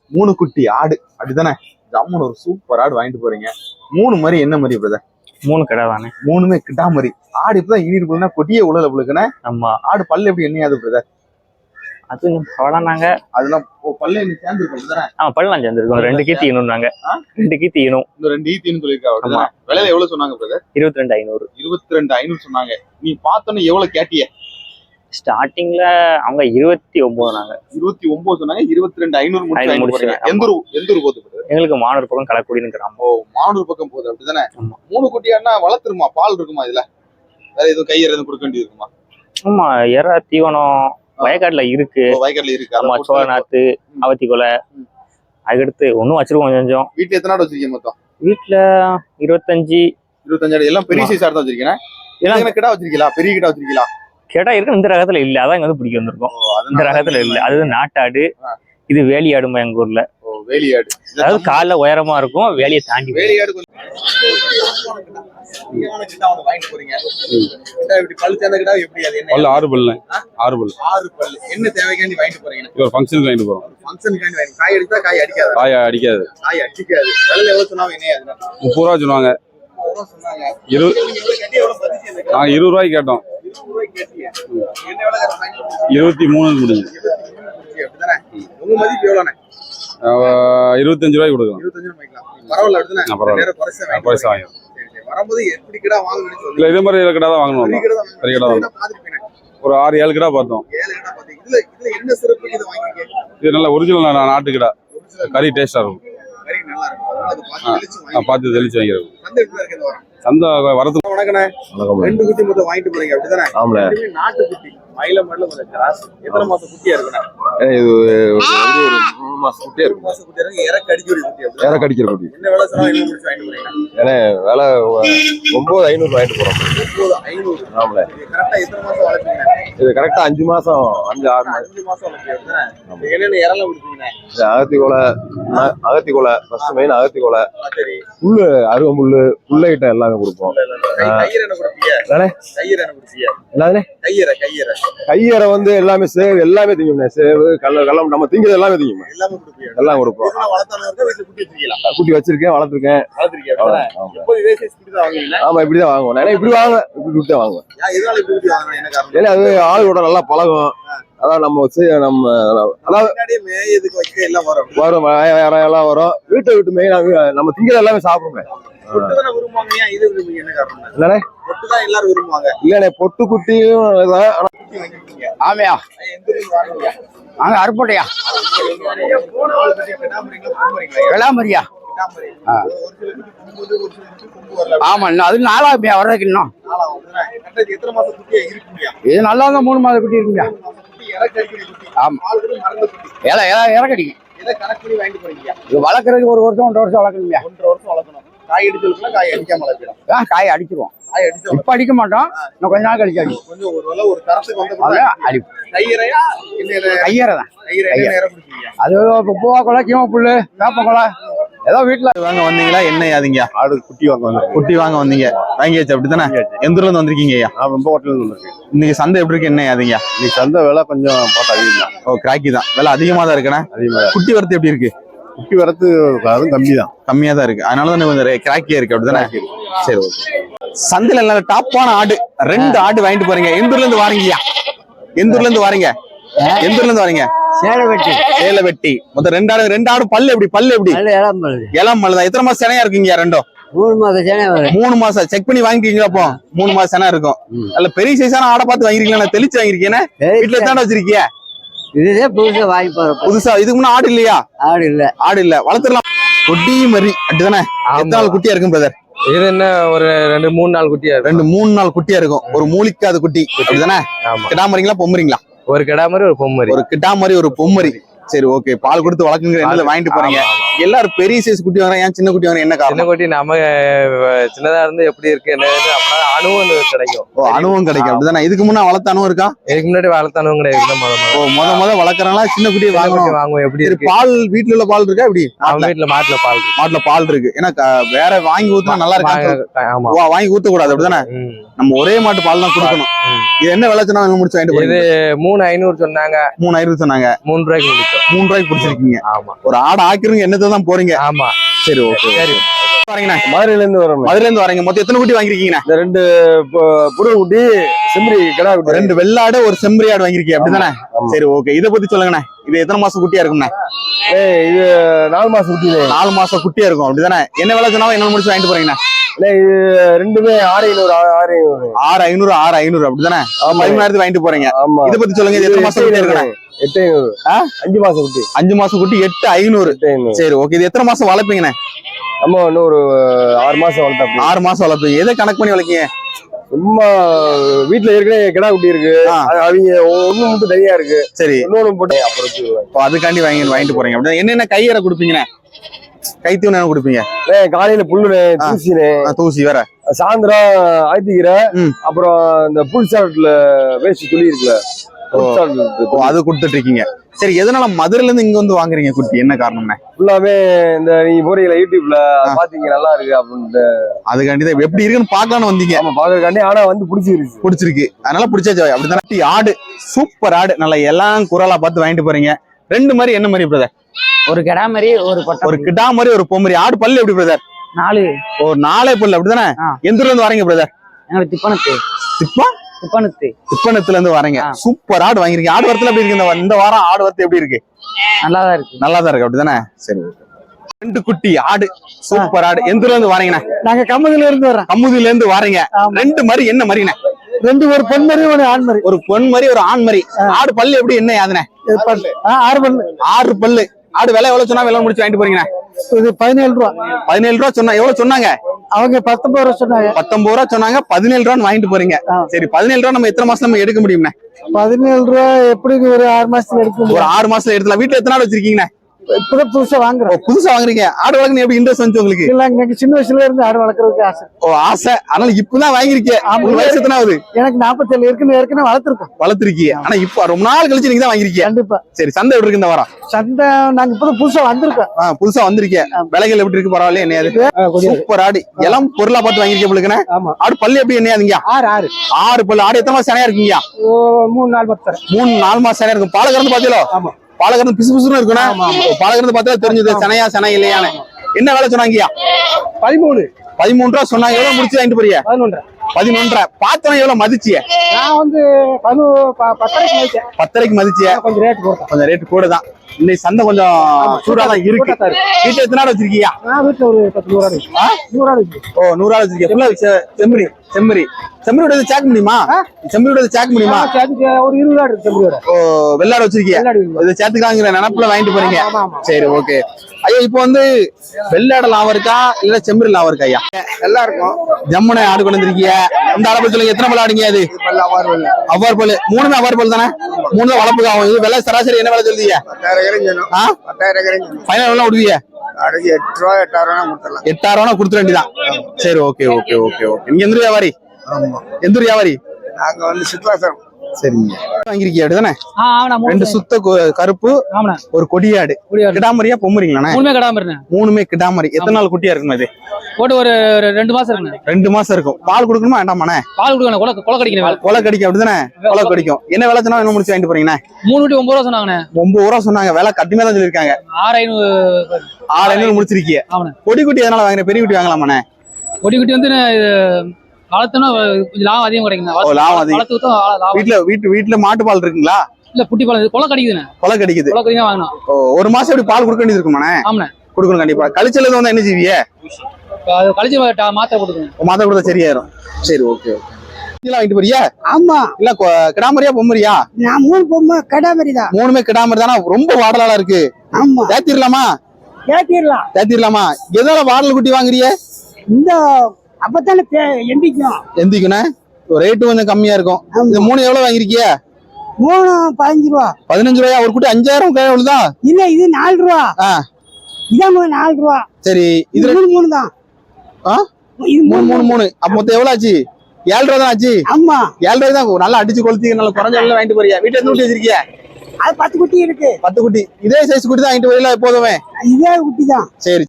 3 குட்டி ஆடு அப்படிதானே? ஜம்முன்னு ஒரு சூப்பர் ஆடு வாங்கிட்டு போறீங்க. 3 மாதிரி என்ன மாதிரி பிரதர்? 3 கடை தானே. 3மே கிட்டா மாதிரி. ஆடு இப்பதான் ஈடு இருக்குன்னா கொட்டியே உள்ள புழுக்குன்னு. ஆமா. ஆடு பல்லு எப்படி என்னையாது பிரதர்? அது பழனாங்க. அதெல்லாம் பல்ல என்ன சேர்ந்துருக்கும் தானே? பல்லாம் சேர்ந்துருக்கும். 2 கீத்தி ஈனும்னாங்க. 2 கீத்தி ஈனும். இந்த 2 ஈத்தின்னு சொல்லியிருக்காங்க. விலையில எவ்வளவு சொன்னாங்க பிரதர்? 22,500. 22,500 சொன்னாங்க. நீ பார்த்தோன்னு எவ்வளவு கேட்டிய? ஸ்டார்டிங்ல அவங்க 29 நாங்க. 29 சொன்னாங்க. 22,500 முடிச்சு. எந்த ஊர் போகுது? எங்களுக்கு மானூர் பக்கம் கலக்குடின்னு கிராமம். ஓ, மானூர் பக்கம் போகுது அப்படிதானே? 3 குட்டியானா வளர்த்துருமா? பால் இருக்குமா இதுல? வேற எதுவும் கையற எதுவும் கொடுக்க வேண்டியது இருக்குமா? ஆமா, எற தீவனம் வயக்காட்டுல இருக்கு. வயக்காட்டுல இருக்கு. ஆமா, சோழ நாத்து, அவத்தி கொலை. அதுக்கடுத்து ஒன்னும் வச்சிருக்கோம் கொஞ்சம். வீட்டுல எத்தனை ஆடு வச்சிருக்கீங்க மொத்தம்? வீட்டுல 25 ஆடு. எல்லாம் பெரிய சைஸ் ஆடு தான் வச்சிருக்கேன். எல்லாம் கிடா வச்சிருக்கீங்களா? பெரிய கிடா வச்சிருக்கீங்களா? கேட்டா இருக்கு. இந்த ரகத்துல இல்ல, அதான் இங்க வந்து பிடிக்க வந்திருக்கோம். இந்த ரகத்துல இல்ல. அது நாட்டாடு. இது வேலியாடுமா எங்க ஊர்ல. வேலியாடு அதாவது கால உயரமா இருக்கும். வேலியை தாண்டி வேலியாடு ஆறு பல்லு. என்ன தேவைக்காண்டி வாங்கிட்டு போறீங்க? ஒரு ஃபங்க்ஷனுக்கு வாங்கிட்டு போறோம். காய் அடிச்சா காய் அடிக்காது. காய் அடிக்காது. விலை எவ்வளவு சொன்னாங்க? 30 ரூபா சொன்னாங்க. 20 ரூபாய்க்கு கேட்டோம். 23 முடிஞ்சு. 25 ரூபாய்க்கு கொடுக்கலாம். இதே மாதிரி கிடா தான் வாங்கணும். பெரிய கிடா தான். ஒரு 6-7 கிடா பார்த்தோம். இது நல்ல ஒரிஜினல் நாட்டு கிடா. கறி டேஸ்டா இருக்கும். பார்த்து தெளிச்சு வாங்கிறோம். சந்தை வரது. வணக்கண்ணே. 2 குட்டி மொத்தம் வாங்கிட்டு போறீங்க அப்படிதானே? ஆமாண்ணே. நாட்டு குட்டி மயில மடல கொஞ்சம் கிராஸ். எத்தனை மாசம் குட்டியா இருக்குண்ணே? இது ஒரு 3 மாசம் குட்டியா இருக்கு. 3 மாசம் குட்டியா இருக்கு. இறக்க அடிக்கிற குட்டி. இறக்க அடிக்கிற குட்டி. என்ன விலை சொன்னா என்ன முடிச்சு வாங்கிட்டு போறீங்க? ஏன்னா விலை 9,500 வாங்கிட்டு போறோம். 9,500. ஆமாண்ணே. கரெக்டா எத்தனை மாசம் வளர்ப்பீங்க? இது கரெக்டா 5 மாசம் 5-6 மாசம். 5 மாசம் வளர்ப்பீங்க. என்னென்ன இறலாம் கொடுப்பீங்க? அகத்தி கொலை ஃபர்ஸ்ட் மெயின். அகத்தி கொலை, சரி, புல்லு, அருகம்புல்லு, புல்ல ஐட்டம் எல்லாமே கொடுப்போம். கையற என்ன கொடுப்பீங்க? கையற என்ன கொடுப்பீங்க? என்னது? கையற வந்து எல்லாமே சேவ் எல்லாமே திங்கும்ண்ணே. சேவு, கல்லம் நம்ம திங்கிறது எல்லாமே திங்குமே. எல்லாமே கொடுப்பீங்க? எல்லாம் கொடுப்போம். குட்டி வச்சிருக்கேன், வளர்த்துருக்கேன். ஆமா, இப்படிதான் வாங்குவோம். ஏன்னா இப்படி வாங்க, இப்படி தான் வாங்குவோம். ஏன்னா அது ஆளோட நல்லா பழகும். அதான் நம்ம அதாவது வரும் எல்லாம் வரும். வீட்டை விட்டு மெயின் நம்ம திங்கிறது எல்லாமே சாப்பிடுமே. இல்லண்ணே, பொட்டு குட்டியும் ஆமையா அங்க அருப்பட்டையா வெளாமரியா. ஆமா, அது 4ஆமையா வர்றதுக்கு இன்னும். இது நல்லா தான் 3 மாத குட்டி இருக்குங்க. ஆமா, இறக்கடிக்கும். இது வளர்க்கறதுக்கு 1 வருஷம் 1.5 வருஷம் வளர்க்கணுங்க. 1.5 வருஷம் வளர்க்கணும். காய் அடிச்சிருக்கா? காய் அடிக்காம வளர்க்கணும். காய் அடிச்சிருவோம். இப்ப அடிக்க மாட்டோம். இன்னும் கொஞ்ச நாள் கழிச்சு அடிக்கும். கொஞ்சம் ஒரு தரத்துக்கு வந்து அடிப்போம். கையறையா? கையறை தான். அது பூவா கொலை, கீமா புல்லு, வேப்ப கொலை ஏதோ வீட்டுல வாங்க வந்தீங்களா? என்ன யாதீங்க? ஆடு குட்டி வாங்க வந்தோம். குட்டி வாங்க வந்தீங்க. வாங்கியாச்சு அப்படித்தானே? எந்த ஊர்ல இருந்து வந்திருக்கீங்க ஐயா? ரொம்ப ஹோட்டல்ல இருந்து வந்திருக்கேன். இன்னைக்கு சந்தை எப்படி இருக்கு? என்ன யாதீங்க? இன்னைக்கு சந்தை விலை கொஞ்சம் பார்த்தா அதிகம் தான். ஓ, கிராக்கி தான். விலை அதிகமா தான் இருக்குண்ணே. அதிகமா. குட்டி வரத்து எப்படி இருக்கு? குட்டி வரத்து அதுவும் கம்மி தான். கம்மியா தான் இருக்கு. அதனால தான் கொஞ்சம் கிராக்கியா இருக்கு அப்படித்தானே? சரி, ஓகே. சந்தையில நல்ல டாப்பான ஆடு 2 ஆடு வாங்கிட்டு போறீங்க. எந்த ஊர்ல இருந்து வாரீங்கய்யா? எந்த ஊர்ல இருந்து வாரீங்க? எந்த ஊர்ல இருந்து வாரீங்க? சேலவெட்டி. மொத்தம் 2 ஆடு. பல்லு எப்படி? இளம் பல்லு தான். எத்தனை மாசம் செனையா இருக்குங்க? 3 மாதம் சேனை. 3 மாசம் செக் பண்ணி வாங்கிட்டீங்களா? அப்போ 3 மாசம் செனை இருக்கும். நல்ல பெரிய சைஸான ஆடை பார்த்து வாங்கிருக்கீங்களா? தெளிச்சு வாங்கிருக்கீங்க. வீட்டுல தானே வச்சிருக்கீங்க? இதுதே புதுசா வாங்கி போறோம். புதுசா? இதுக்கு முன்ன ஆடு இல்லையா? ஆடு இல்ல. வளர்த்துடலாம். குட்டி மாதிரி அப்படிதானே? எத்தனை நாள் குட்டியா இருக்கும் பிரதர்? இது என்ன ஒரு 2-3 நாள் குட்டியா இருக்கும். 2-3 நாள் குட்டியா இருக்கும். ஒரு மூலிக்காத குட்டி அப்படிதானே? கிடாமரிங்களா பொம்மரிங்களா? ஒரு கிடாமரி, ஒரு பொம்மரி. ஒரு கிடாமரி, ஒரு பொம்மரி. சரி, ஓகே. பால் கொடுத்து வளர்க்குங்கிற எண்ணத்துல வாங்கிட்டு போறீங்க. எல்லாரும் பெரிய சைஸ் குட்டி வாங்குறாங்க, ஏன் சின்ன குட்டி வாங்குறாங்க? என்ன காரணம்? சின்ன குட்டி நம்ம சின்னதா இருந்து எப்படி இருக்கு என்ன அப்படின்னா அணுவும் கிடைக்கும். ஓ, அணுவும் கிடைக்கும் அப்படிதானே? இதுக்கு முன்னா வளர்த்த அணுவும் இருக்கா? இதுக்கு முன்னாடி வளர்த்த அணுவும் கிடையாது. ஓ, முத வளர்க்கறாங்களா? சின்ன குட்டியை வாங்குவோம். எப்படி இருக்கு பால்? வீட்டுல உள்ள பால் இருக்கா? எப்படி? வீட்டுல மாட்டுல பால் இருக்கு. ஏன்னா வேற வாங்கி ஊத்துனா நல்லா இருக்கு. வாங்கி ஊத்த கூடாது அப்படிதானே? நம்ம ஒரே மாட்டு பால் தான் கொடுக்கணும். இது என்ன விளைச்சனா முடிச்சு வாங்கிட்டு? இது 3,500 சொன்னாங்க. 3,500 சொன்னாங்க. 3 ரூபாய்க்கு முடிச்சோம். 3 ரூபாய்க்கு பிடிச்சிருக்கீங்க. ஆமா. ஒரு ஆடு ஆக்கிருங்க என்னத்தை தான் போறீங்க. ஆமா. சரி ஓகே. சரி. வரீங்கண்ணா மதுரையில இருந்து வரோம். மதுரையில இருந்து வரீங்க. மொத்தம் எத்தனை குட்டி வாங்கிருக்கீங்கண்ணா? இந்த 2 புரு குட்டி செம்பரி கிடா குட்டி. 2 வெள்ளாடு ஒரு செம்பரி ஆடு வாங்கிருக்கீங்க அப்படிதானே? சரி ஓகே. இதை பத்தி சொல்லுங்கண்ணா. இது எத்தனை மாசம் குட்டியா இருக்கும்ண்ணா? இது 4 மாசம் குட்டி. 4 மாசம் குட்டியா இருக்கும் அப்படிதானே? என்ன விலை சொன்னாலும் என்ன முடிச்சு வாங்கிட்டு போறீங்கண்ணா? இது ரெண்டுமே 6,500 6,500 6,500 அப்படிதானே? 13,000 வாங்கிட்டு போறீங்க. ஆமா. இதை பத்தி சொல்லுங்க. இது எத்தனை மாசம் குட்டி இருக்குண்ணா? 8,500. 5 மாசம் குட்டி. 5 மாசம் குட்டி 8,500. சரி ஓகே. இது எத்தனை மாசம் வளர்ப்பீங்கண்ணா? நம்ம இன்னும் ஒரு 6 மாசம் வளர்த்தா. 6 மாசம் வளர்ப்பீங்க. எதை கணக்கு பண்ணி வளர்க்கீங்க? சும்மா வீட்டுல ஏற்கனவே கிடா குட்டி இருக்கு. அவங்க ஒண்ணு மட்டும் தனியா இருக்கு. சரி. இன்னொன்னு போட்டு அப்புறம் அதுக்காண்டி வாங்கிட்டு போறீங்க அப்படின்னா என்னென்ன கையறை கொடுப்பீங்கண்ணே? கைத்தீவனம் என்ன கொடுப்பீங்க? காலையில புல்லுனே தூசினே தூசி வேற, சாயந்தரம் ஆய்த்திக்கிற, அப்புறம் இந்த புல் சாட்ல வேஸ்ட் துளி இருக்குல்ல அது கொடுத்துட்டு இருக்கீங்க. சரி, எதனால மதுரையில இருந்து இங்க வந்து வாங்குறீங்க குட்டி? என்ன காரணம்னா? ஃபுல்லாவே இந்த நீங்க போறீங்களா யூடியூப்ல பாத்தீங்க நல்லா இருக்கு அப்படின்ட்டு அதுக்காண்டி தான் எப்படி இருக்குன்னு பாக்கலாம்னு வந்தீங்க. ஆமா, பாக்குறதுக்காண்டி. ஆனா வந்து பிடிச்சிருக்கு அதனால பிடிச்சாச்சு அப்படிதான். ஆடு சூப்பர் ஆடு, நல்லா எல்லாம் குரலா பார்த்து வாங்கிட்டு போறீங்க. 2 மாதிரி என்ன மாதிரி பிரதர்? ஒரு கிடா மாதிரி ஒரு கிடா மாதிரி ஒரு பொம்மரி. ஆடு பல்லு எப்படி பிரதர்? 4. ஒரு 4 பல்லு அப்படிதானே? எந்த ஊர்ல இருந்து வரீங்க பிரதர்? எங்களுக்கு திப்பணத்துல இருந்து வரீங்க. சூப்பர் ஆடு வாங்கிருக்கீங்க. ஆடு வரத்துல எப்படி இருக்கு இந்த வாரம்? ஆடு வரத்து எப்படி இருக்கு? நல்லாதான் இருக்கு அப்படிதானே? சரி. 2 குட்டி ஆடு, சூப்பர் ஆடு. எந்த ஊர்ல இருந்து வரீங்கண்ணா? நாங்க கமுதில இருந்து வரோம். கமுதில இருந்து வரீங்க. 2 மாதிரி என்ன மாதிரிண்ணே? 2 ஒரு பெண் மாதிரி ஒரு ஆண் மாதிரி. ஒரு பொன் மாதிரி ஒரு ஆண் மாதிரி. ஆடு பல்லு எப்படி என்ன யாதுனே? 6 பல்லு. ஆடு விலை எவ்வளவு சொன்னா விலை முடிச்சு வாங்கிட்டு போறீங்கண்ணா? இது 17 ரூபா. 17 ரூபா சொன்னா எவ்வளவு சொன்னாங்க? அவங்க 19 ரூபா சொன்னாங்க. 19 ரூபா சொன்னாங்க. 17 ரூபான்னு வாங்கிட்டு போறீங்க. சரி, 17 ரூபா நம்ம எத்தனை மாசம் நம்ம எடுக்க முடியும்ண்ணே? 17 ரூபா எப்படி ஒரு 6 மாசத்துல எடுக்க முடியும்? ஒரு 6 மாசத்துல எடுக்கலாம். வீட்டுல எத்தனை ஆடு வச்சிருக்கீங்கண்ணே? இப்பதான் புதுசா வாங்குறோம். புதுசா வாங்குறீங்க. ஆடு வளர்க்கணும் எப்படி இன்ட்ரெஸ்ட் வந்து உங்களுக்கு? இல்ல, எனக்கு சின்ன வயசுல இருந்து ஆடு வளர்க்கறதுக்கு ஆசை. ஆசை. அதனால இப்பதான் வாங்கிருக்கீங்க. வயசு எத்தனை ஆகுது? எனக்கு 47 ஏற்கனவே வளர்த்திருக்கீங்க. ஆனா இப்ப ரொம்ப நாள் கழிச்சு நீங்க தான் வாங்கிருக்கீங்க. கண்டிப்பா. சரி, சந்தை எப்படி இருக்கு இந்த வாரம்? சந்தை நாங்க இப்பதான் புதுசா வந்திருக்கோம். புதுசா வந்திருக்கீங்க. விலைகள் எப்படி இருக்கு? பரவாயில்ல. என்னையாது சூப்பர் ஆடு, எல்லாம் பொருளா பார்த்து வாங்கிருக்கீங்க உங்களுக்கு. ஆடு பல்லு எப்படி என்னையாதுங்க? 6 பல்லு. ஆடு எத்தனை மாசம் சனையா இருக்கீங்க? 3-4 மாசம் சனையா இருக்கும். பாலை கறந்து பாத்தீங்களோ? பாலை கறந்து பிசு பிசுன்னு இருக்கணும். பாலை கறந்து பார்த்தா தெரிஞ்சது சனையா சனை இல்லையானு. என்ன வேலை சொன்னாங்கய்யா? 13 ரூபா சொன்னாங்க. எவ்வளவு முடிச்சு வாங்கிட்டு போறீங்க? 11.5. பார்த்தவன் எவ்வளவு மதிச்சிய? நான் வந்து 10.5 மதிச்சிய. கொஞ்சம் ரேட் கூட தான். இன்னைக்கு சந்தை கொஞ்சம் சூடாதான் இருக்கு. வீட்டுல எத்தனை ஆடு வச்சிருக்கீங்க? ஒரு 100 ஆடு இருக்கு. 100 ஆடு வச்சிருக்கீங்க. செம்மறியோட சேக் முடியுமா? செம்மறியோட சேக் முடியுமா? ஒரு 20 ஆடு இருக்கு. வெள்ளாடு வச்சிருக்கீங்க. இது சேர்த்துக்கலாங்கிற நினைப்புல வாங்கிட்டு போறீங்க. சரி ஓகே ஐயா. இப்போ வந்து வெள்ளாடு லாபம் இருக்கா இல்ல செம்மறி லாபம் இருக்கா ஐயா? எல்லாம் இருக்கும். ஜம்முனை ஆடு கொண்டு வந்திருக்கீங்க. இந்த ஆடை பத்தி சொல்லுங்க. எத்தனை பல்லு ஆடுங்க? அது அவ்வாறு பல்லு. 3மே அவ்வாறு பல்லு தானே? 3 தான் வளர்ப்புக்கு ஆகும். இது வெள்ளை சராசரி என்ன வேலை சொல்லுவீங்க? 10,000 ஃபைனல் எவ்வளவு விடுவீங்க? 8,000 கொடுத்துட வேண்டியதான். சரி ஓகே. நீங்க எந்த வியாபாரி? எந்த வியாபாரி? நாங்க வந்து சித்வாசம். சரிங்க. வாங்கிருக்கீங்க அப்படிதானே? 2 சுத்த கருப்பு, ஒரு கொடியாடு. கிடாமரியா பொம்மரிங்களா? 3மே கிடாமரி. எத்தனை நாள் குட்டியா இருக்கும் இது? போட்டு ஒரு 2 மாசம் இருக்குண்ணே. 2 மாசம் இருக்கும். பால் கொடுக்கணுமா வேண்டாமாண்ணே? பால் கொடுக்கணும். கொலை கடிக்கணும். கொலை கடிக்கும் அப்படிதானே? கொலை கடிக்கும். என்ன வேலை சொன்னா என்ன முடிச்சு வாங்கிட்டு போறீங்கண்ணே? 3 குட்டி 9 ரூபா சொன்னாங்கண்ணே. 9 ரூபா சொன்னாங்க. வேலை கட்டுமே தான் சொல்லிருக்காங்க. 6,500 முடிச்சிருக்கீங்க. கொடி குட்டி எதனால வாங்குற? பெரிய குட்டி வாங்கலாமாண்ணே? கொடி குட்டி வந்து வளர்த்தோம்னா கொஞ்சம் லாபம் அதிகம் கிடைக்குங்க. லாபம் அதிகம். வீட்டுல மாட்டு பால் இருக்குங்களா? இல்ல, குட்டி பால். கொலை கடிக்குதுண்ணே. கொலை கடிக்குது. வாங்கணும். ஒரு மாசம் எப்படி பால் கொடுக்க வேண்டியது இருக்குமாண்ணே? ஆமாண்ணே, கொடுக்கணும் கண்டிப்பா. கழிச்சல வந்து என்ன செய்வீங்க? கழிச்சு மாத்திரை போட்டுக்கணும். மாத்திரை கொடுத்தா சரியாயிரும். சரி ஓகே. வாங்கிட்டு போறியா? ஆமா. இல்ல கிடாமரியா பொம்மரியா? நான் 3 பொம்மை கிடாமரி தான். 3மே கிடாமரி தானா? ரொம்ப வாடலாளா இருக்கு. ஆமா. தேத்திரலாமா? எதால வாடல் குட்டி வாங்குறிய? இந்த அப்பத்தானே எந்திக்கணும். ரேட்டு கொஞ்சம் கம்மியா இருக்கும். இந்த 3 எவ்வளவு வாங்கிருக்கிய? 3 15 ரூபா. 15 ரூபாயா? ஒரு குட்டி 5,000 எவ்வளவுதான்? இல்ல, இது 4 ரூபா. இதான் 4 ரூபா. சரி, இது 3 தான். இது 3. அப்ப மொத்தம் எவ்வளவு ஆச்சு? 7 ரூபா தான் ஆச்சு. ஆமா, 7 ரூபாய் தான். நல்லா அடிச்சு கொளுத்தி நல்லா குறைஞ்ச விலையில வாங்கிட்டு போறியா? வீட்டுல எத்தனை குட்டி வச்சிருக்கிய? அது 10 குட்டி இருக்கு. 10 குட்டி. இதே சைஸ் குட்டி தான் வாங்கிட்டு போறீங்களா எப்போதுமே? இதே குட்டி தான். சரி.